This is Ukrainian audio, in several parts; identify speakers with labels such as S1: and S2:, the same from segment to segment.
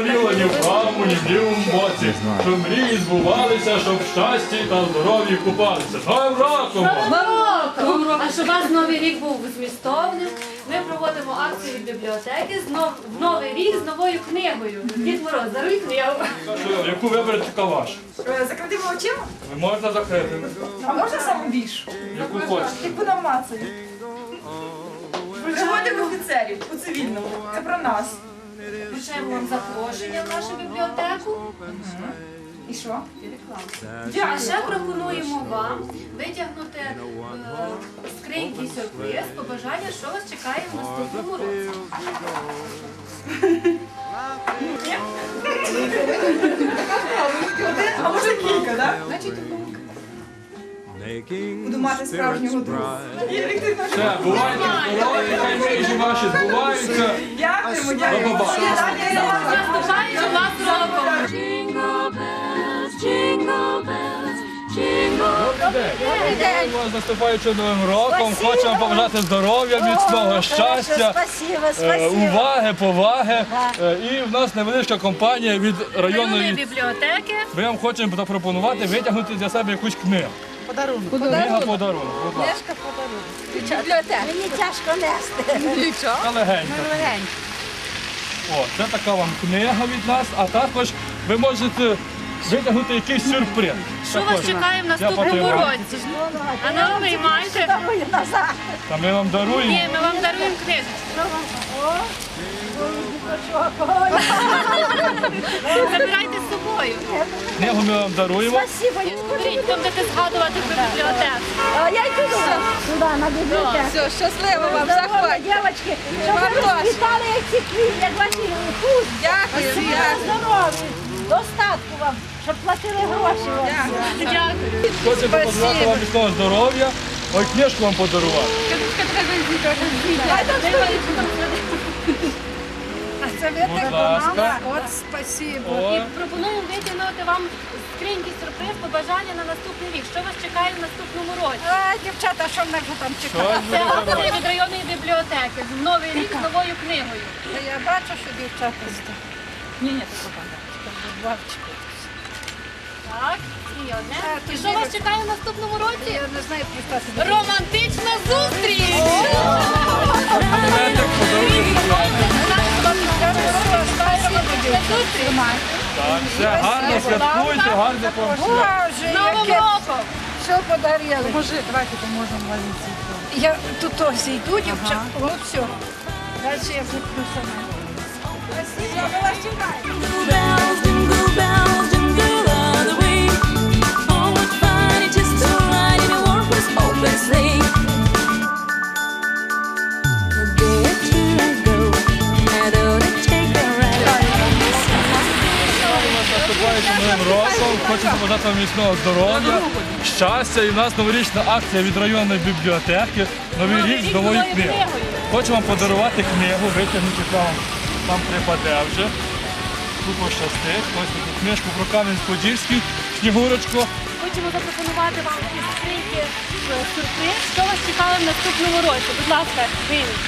S1: боліло ні в правому, ні в лівому боці. Щоб мрії збувалися, щоб в щасті та здоров'ї купалися. З Новим роком!
S2: А щоб у вас Новий рік був змістовним, ми проводимо акцію від бібліотеки в Новий рік з новою книгою. Дід Мороз, даруй книгу.
S1: Яку виберете, така ваша?
S3: Закритими очима?
S1: Ви можете закрити.
S3: А можна саму більшу?
S1: Яку хочете.
S3: Яку нам мацають? Приводимо офіцерів у цивільному. Це про нас.
S2: Вручаємо вам запрошення в нашу бібліотеку.
S3: І що?
S2: А ще пропонуємо вам витягнути з скриньки сюрприз, побажання, що вас чекає в наступному році.
S3: А може кілька, так? Буду мати справжнього друга.
S1: Все, бувайте здорові, хай мрії ваші збуваються.
S3: Дякуємо,
S1: До
S3: дякуємо.
S1: побачення.
S2: Наступаючи вас роком!
S1: Добрий день! Вас наступаючи Новим роком. Хочемо побажати здоров'я, міцного щастя, уваги, поваги. І в нас невеличка компанія від районної
S2: бібліотеки.
S1: Ми вам хочемо запропонувати витягнути для себе якусь книгу. Книга-подарунок, будь ласка.
S4: Мені тяжко нести.
S1: Та легенька. О, це така вам книга від нас, а також ви можете витягнути якийсь сюрприз.
S2: Що вас чекає в наступному році? А ну виймайте.
S4: Дарую назад.
S1: Та ми вам даруємо.
S2: Ні, ми вам даруємо книжечку. Забирайте з собою.
S1: Книгу ми вам даруємо.
S4: Спасибо.
S2: Беріть, там будете згадувати про бібліотеку.
S4: Я йду туди, на бібліотеку.
S3: Все, щасливо вам,
S4: Здорово, дівчатки. Щоб ви розквітали, як ці квіти, як ваші пусть.
S3: Дякую,
S4: Здорові. Достатку вам, щоб платили гроші вам.
S2: Дякую.
S1: Хочемо побажати вам міцного здоров'я. Ой, книжку вам подарувати. Будь ласка.
S3: От, спасибо.
S1: О,
S2: І пропонуємо витягнути вам з скриньки сюрприз побажання на наступний рік. Що вас чекає в наступному році?
S4: Дівчата, що мене вже там чекає?
S1: щось
S2: Це
S1: буде
S2: акція
S1: дарувати.
S2: від районної бібліотеки. Новий рік з новою книгою.
S4: Я бачу, що дівчата здесь. Ні, це бабчики.
S2: Так, і одне. І що вас чекає в наступному році?
S4: Я не знаю, представте.
S2: Романтична зустріч!
S1: Подарунок, Так, все, гарно святкуйте, гарно вам.
S4: Боже,
S2: З Новим
S4: яке
S2: роком!
S4: все подарили. Може, давайте поможемо валіці. Я тут ось йду, дівчата. От все. Далі я куплю сама. Спасибо, ми вас чекаємо.
S1: Наступаючим Новим роком, хочемо побажати вам міцного здоров'я, щастя. І в нас новорічна акція від районної бібліотеки «Новий рік з новою книгою». Хочемо вам подарувати книгу, витягнути вам припаде вже. Тут пощастить. Ось таку книжку про Кам'янець-Подільський, Снігурочку.
S2: Хочемо запропонувати вам із скриньки сюрприз. Що вас чекає в наступному році? Будь ласка, вийміть.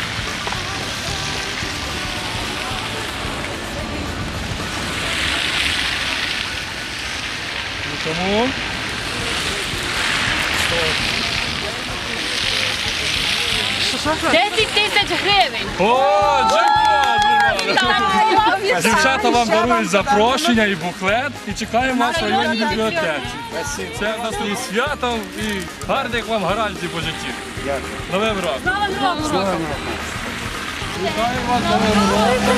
S1: Тому
S2: 10 тисяч гривень.
S1: о, джекпот! Дівчата вам дарують запрошення і буклет і чекаємо вас в районній бібліотеці. Це в нас і святом і гарних вам гарантій по житті. Новим роком!
S2: З Новим роком!
S1: Чекаємо вас новим роком!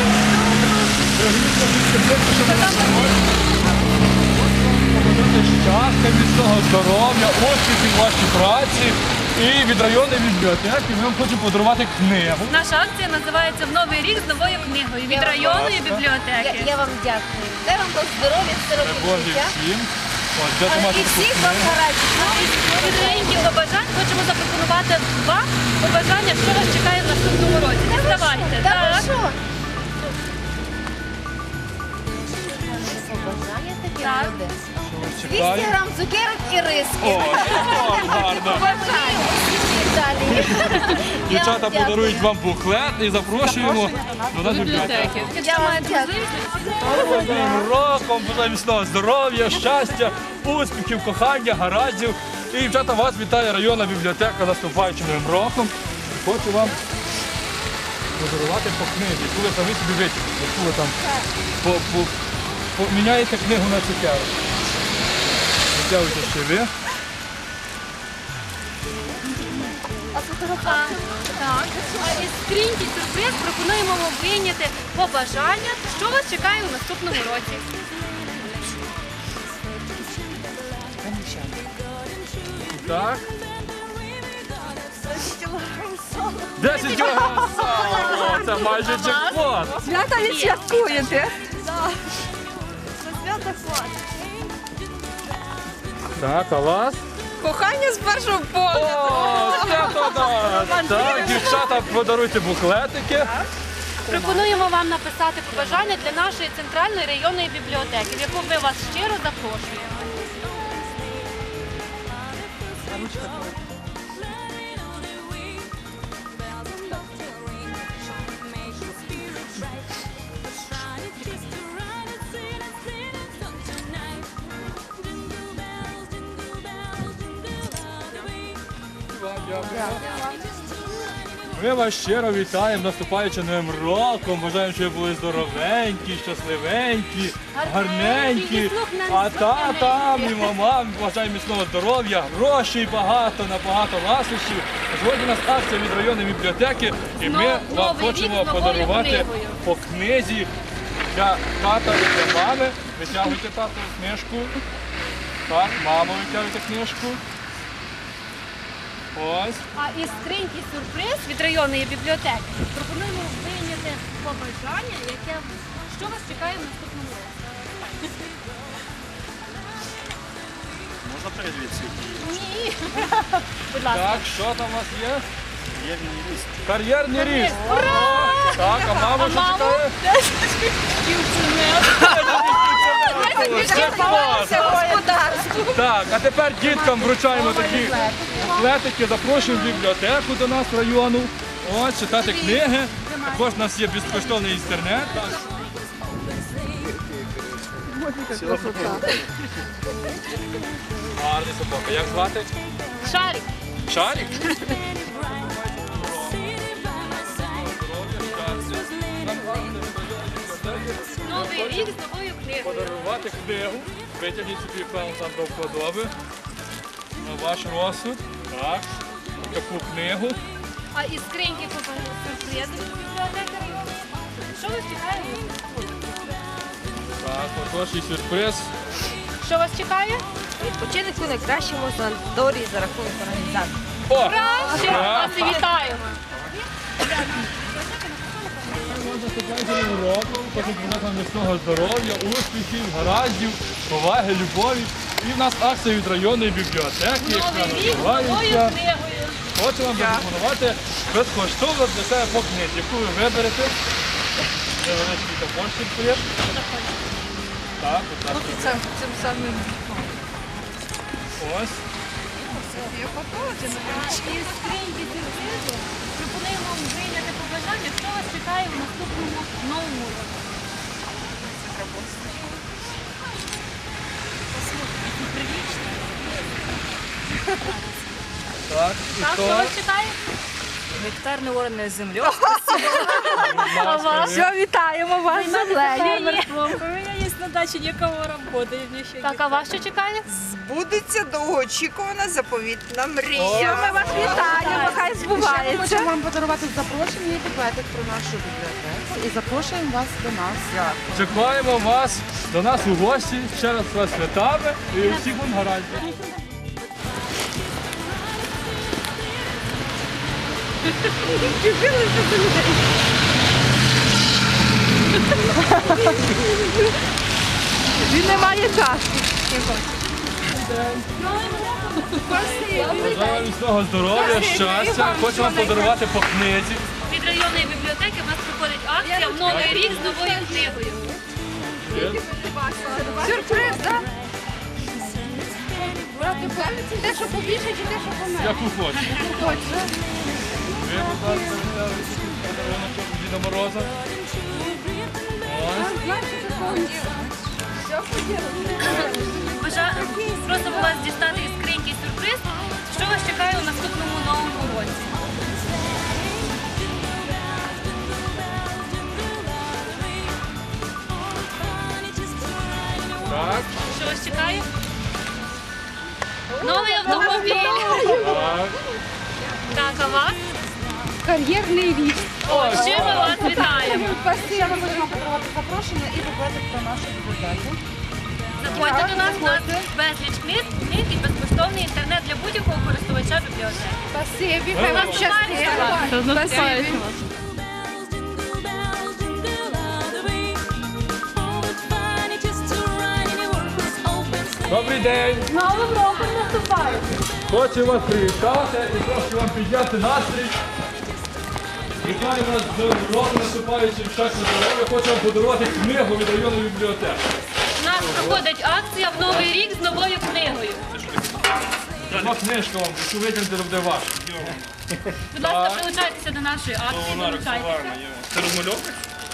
S1: Щастя, міцного здоров'я, успіхів в вашій праці. І від районної бібліотеки ми вам хочемо подарувати книгу.
S2: Наша акція називається «В новий рік з новою книгою» від районної бібліотеки.
S4: Я вам дякую. Дай вам здоров'я,
S1: Це Божі всім. Ось, де ти маєш
S4: І
S1: таку
S4: всіх вам
S1: книгу?
S4: гарантій.
S2: Від скриньки побажань хочемо запропонувати вам побажання, що вас чекає в наступному році. Не здавайте.
S4: Та ви
S2: Так.
S4: що?
S2: Так.
S4: 200 грам цукерок і риски.
S1: О, гарно.
S4: Бажаю. далі.
S1: Дівчата подарують вам буклет і запрошуємо до нас в бібліотеку.
S4: Я вам дякую.
S1: З Новим роком, бажаю міцного здоров'я, щастя, успіхів, кохання, гараздів. І, дівчата, вас вітає районна бібліотека з наступаючим Новим роком. Хочу вам подарувати по книзі, яку ви самі собі витягнете, яку ви там поміняєте книгу на цукерку. Витягуйте ще ви.
S2: А із скриньки сюрприз пропонуємо вам вийняти побажання, що вас чекає у наступному році.
S1: Так. 10 кілограм сала! О, це майже джекпот!
S3: Свята відсвяткуєте.
S1: Так, а вас?
S3: Кохання з першого погляду.
S1: О, це то да! Так, дівчата, подаруйте буклетики.
S2: Пропонуємо вам написати побажання для нашої центральної районної бібліотеки, в яку ми вас щиро запрошуємо.
S1: Ми вас щиро вітаємо наступаючим Новим роком. Бажаємо, щоб ви були здоровенькі, щасливенькі, гарненькі. А татам і мамам бажаємо міцного здоров'я, грошей багато, набагато ласощів. Сьогодні у нас акція від районної бібліотеки, і ми вам
S2: Новий рік
S1: хочемо
S2: з новою
S1: подарувати
S2: книгою.
S1: по книзі для тата і для мами. Витягуйте тату книжку. Так, мамо, витягуйте книжку. Ось.
S2: А із скриньки сюрприз від районної бібліотеки пропонуємо вийняти побажання, що вас чекає в наступному році.
S5: Можна передивитися?
S2: Ні. Будь ласка.
S1: Так, що там у вас є?
S5: Кар'єрний ріст.
S1: Кар'єрний ріст. Так, а мама що чекає? Це клас.
S3: Господарство.
S1: Так, а тепер діткам вручаємо такі буклетики, запрошуємо в бібліотеку до нас в району. Ось, читати книги. Також у нас є безкоштовний інтернет. Так. Гарний собака. Як звати?
S2: Шарик.
S1: Шарик?
S2: Новий рік з новою книгою.
S1: Подарувати книгу. Витягніть собі певно там до вподоби. На ваш розсуд. Так. Таку книгу.
S2: А із скриньки сюрприз від бібліотеки району. Що вас чекає? в наступному році?
S1: Так, отож і сюрприз.
S2: Що вас чекає?
S6: Відпочинок у найкращому санаторії за рахунок організації.
S1: О!
S2: Краще вас і вітаємо.
S1: Хочу побажати вам міцного здоров'я, успіхів, гараздів, поваги, любові. І в нас акція від районної бібліотеки, яка
S2: Новий рік з новою
S1: називається.
S2: книгою.
S1: Хочу вам запропонувати безкоштовно для себе по книзі, яку ви виберете. Невеличкий також сюрприз. Так, будь ласка.
S3: Цим самим.
S1: Ось.
S2: Із скриньки сюрпризу пропонуємо вам прийняти побажання, що вас чекає в наступному новому році.
S1: Так, і
S2: Так,
S1: то.
S2: що вас чекає?
S6: Гектарне орне землю.
S2: А вас?
S3: Все, вітаємо вас з землею.
S6: У мене є на дачі нікого роботи.
S2: Так, а вас що чекає?
S3: Збудеться довгоочікувана заповітна
S1: О.
S3: мрія. Ми вас вітаємо, хай збувається.
S7: Хочемо вам подарувати запрошення і буклетик про нашу бібліотеку і запрошуємо вас до нас.
S1: Чекаємо вас до нас у гості. Ще раз вас святами і усіх вам гарантій.
S3: Він не має часу.
S1: Бажаю вам міцного здоров'я, щастя. Хочу вам подарувати по книзі.
S2: Від районної бібліотеки в нас проходить акція в Новий рік з новою книгою.
S3: Сюрприз, так?
S4: Те, що побільше, чи те, що поменше?
S1: Яку хочеш. Ви, будь ласка, взяли подарунок від Діда Мороза. Ось.
S2: Просимо вас дістати із скриньки сюрприз, що вас чекає у наступному новому році.
S1: Так,
S2: Що вас чекає? Новий автомобіль.
S1: так.
S2: Так, а вас?
S4: Кар'єрний ріст.
S2: О, ще ми вас вітаємо.
S7: Ще ми будемо подарувати запрошення і буклетик про нашу бібліотеку.
S2: Заходьте до нас, у нас безліч книг і безкоштовний інтернет для будь-якого користувача бібліотеки.
S4: Спасибі, хай вам щастить. Спасибі.
S1: Добрий день!
S2: З Новим роком наступає.
S1: Хочу вас привітати і трошки вам підняти настрій. Вітаю вас з Новим роком наступаючим, щастя, здоров'я. Хочу вам подарувати книгу від районної бібліотеки.
S2: У нас проходить акція в Новий рік з новою книгою.
S1: Одна книжка вам, яку витягнути буде ваше.
S2: Будь ласка, долучайтеся до нашої акції, долучайтеся.
S5: Це розмальовка?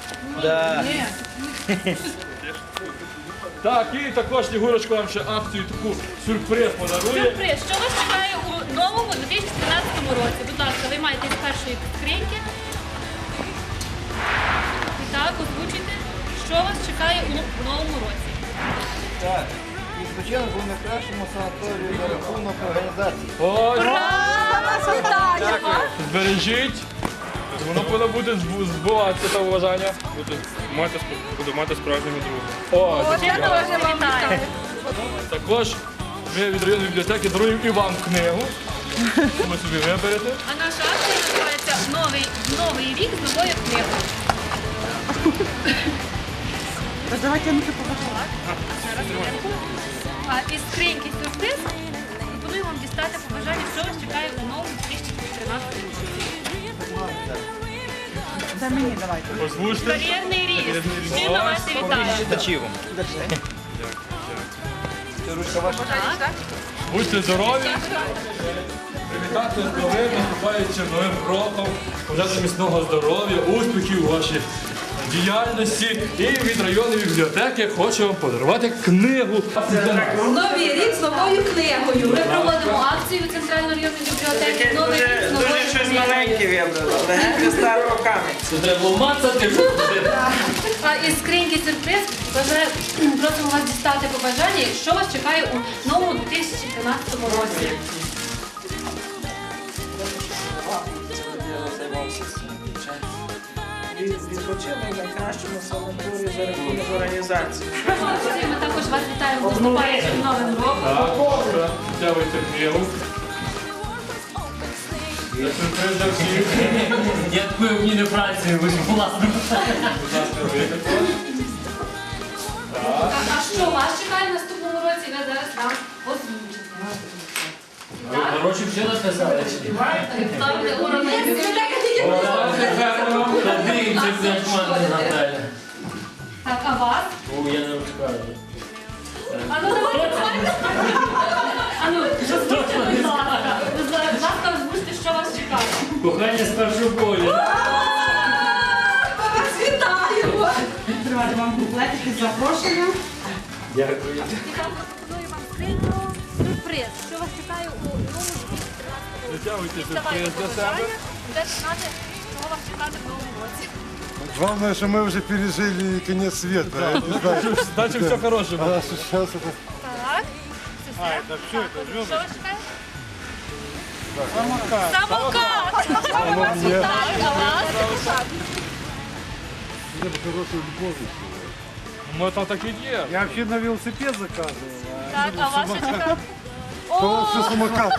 S1: Так, і також Снігурочка вам ще акцію таку сюрприз подарує.
S2: Сюрприз, що вас чекає у новому 2013 році? Будь ласка, виймайте з першої скриньки. І так, озвучуйте, що вас чекає у новому році.
S8: Так, відпочинок був на кращому санаторію за рахунок організації.
S1: Ось,
S2: Нас вітаємо!
S1: збережіть. Воно повинно буде збуватися це бажання.
S5: Буду мати справжнього друга.
S1: О,
S2: Я теж вітаю.
S1: також ми від районної бібліотеки даруємо і вам книгу. Ви собі виберете.
S2: А наша акція називається Новий рік з новою книгою.
S7: Давайте ми покажемо.
S2: А із скриньки сюрприз пропоную вам дістати побажання, що вас чекає у новому 2013 році.
S7: Це мені давайте.
S1: Озвучте.
S2: Кар'єрний ріст. Всі на вас і вітаємо.
S8: Читачів. Це ручка ваша.
S1: Будьте здорові. Привітати з новим наступаючим новим роком. Бажати міцного здоров'я, успіхів у вашій діяльності. І від районної бібліотеки хочу вам подарувати книгу.
S2: Новий рік з новою книгою. Ми проводимо акцію Центральної районної бібліотеки. Новий рік з новою книгою.
S8: вибрали, легенько старого камінь.
S1: Це треба мацати.
S2: А із скриньки сюрприз просимо вас дістати побажання, що вас чекає у новому 2013 році.
S8: Відпочинок на кращому санаторії за рахунок організації.
S2: Ми також вас вітаємо з наступаючим новим роком.
S1: Так, взявайте книгу. Це сюрприз для всіх.
S9: Дякую мені не працюю, ви ж власне.
S1: Будь ласка, ви також.
S2: А що вас чекає в наступному році, ви зараз нам озвучите. Так?
S9: Гроші вже написали.
S2: Ставте уроки.
S9: Дивіться, як мене Наталя.
S2: Так, а вас?
S9: О, я не розкажу.
S2: А ну давайте. А ну, озвучте, будь ласка. Будь ласка, озвучте, що вас чекає.
S9: Кохання з першого бою.
S7: Тривайте вам буклетики з запрошенням.
S9: Дякую.
S2: І так пропоную вам скриньку сюрприз, що вас чекає у новому 2013 році.
S1: Затягуйте
S2: Давайте
S1: сюрприз для себе.
S2: побажання, будете знати, що вас чекати в новому році.
S10: Главное, что мы уже пережили конец света. Я не знаю.
S1: Дальше все хороше буде.
S10: А сейчас это...
S2: Так, це все. Що вас чекає? Самокат. Самокат!
S10: Мне
S2: Так, а вас?
S10: бы хорошую любовь.
S1: Може там так і є.
S10: Я вообще на велосипед заказывал.
S2: Так, а вас що чекає?
S10: Все самокат.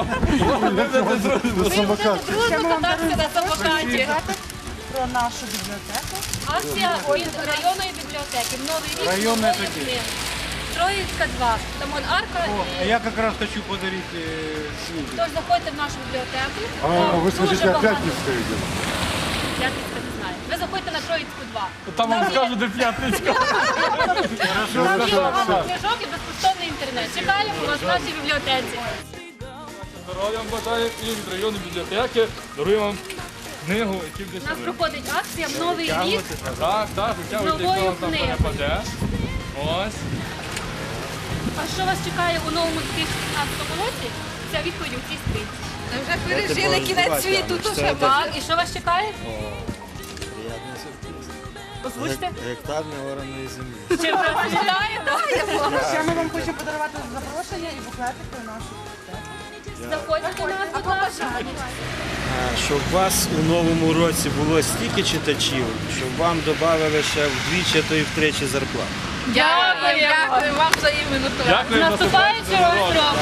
S2: Ви
S10: Самокат.
S2: будете дружно кататися на самокаті.
S7: Про нашу бібліотеку.
S2: Акція від районної бібліотеки. Новий рік.
S10: Районної
S2: нової
S10: такі.
S2: книги. Троїцька 2. Там он арка.
S10: А
S2: І...
S10: я как раз хочу подарить книгу.
S2: Тож заходьте в нашу бібліотеку.
S10: А
S2: Там
S10: вы
S2: дуже
S10: скажите,
S2: багато.
S10: опять не стоите?
S2: П'ятницька не знаю. Ви заходьте на Троїцьку 2.
S1: Там вам скажуть, де п'ятницька.
S2: Там є багато книжок і безкоштовний інтернет. інтернет. Чекаємо вас в нашій бібліотеці.
S1: Здоров'я вам бажаю і від районної бібліотеки даруємо вам книгу, яку
S2: У
S1: десь
S2: нас проходить акція в Новий рік.
S1: Так, витягуйте,
S2: Новою
S1: якщо вам там
S2: книгою.
S1: перепаде. Ось.
S2: А що вас чекає у новому 2016 році? Ця відповідь у цій скринці.
S3: Ми вже пережили кінець світу, то ще
S2: Так, і що вас чекає?
S8: Приятний сюрприз.
S2: Озвучте.
S8: Гектар неораної землі.
S2: Чим вас вітає?
S7: Ще ми вам хочемо подарувати запрошення і буклетик про нашу бібліотеку.
S2: Заходьте до нас, будь ласка.
S11: Щоб у вас у новому році було стільки читачів, щоб вам додали ще вдвічі, то і втричі зарплат.
S2: Дякую
S3: вам взаємно.
S1: Дякую,
S2: З наступаючим роком.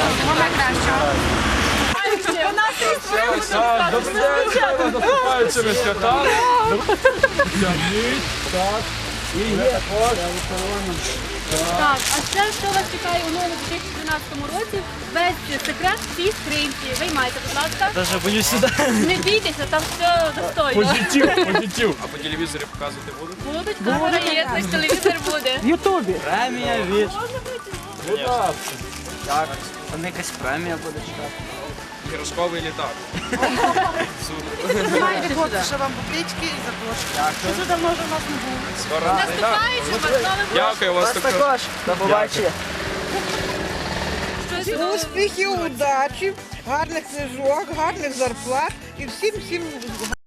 S1: Так, добрий день, вітаю вас з наступаючими святами. Так.
S2: Так, а ще що вас чекає у новому 2012 році? Весь секрет в цій скринці. Виймайте, будь ласка.
S11: Даже боюсь сюди.
S2: Не бійтеся, там все достойно.
S1: Позитив.
S5: А по телевізорі показувати будуть?
S2: Будуть, камера є, ось телевізор буде.
S11: Премія від.
S1: Будь ласка.
S11: Там якась премія буде читати.
S5: Іграшковий літак.
S7: Знаєте, хлопці, що вам буклічки і запрошення. Дуже давно вже у нас не було.
S5: Скоро літак.
S2: Наступаючим вас новим
S5: Дякую вас також.
S11: До побачення.
S2: щось.
S3: Успіхів, удачі, гарних книжок, гарних зарплат і всім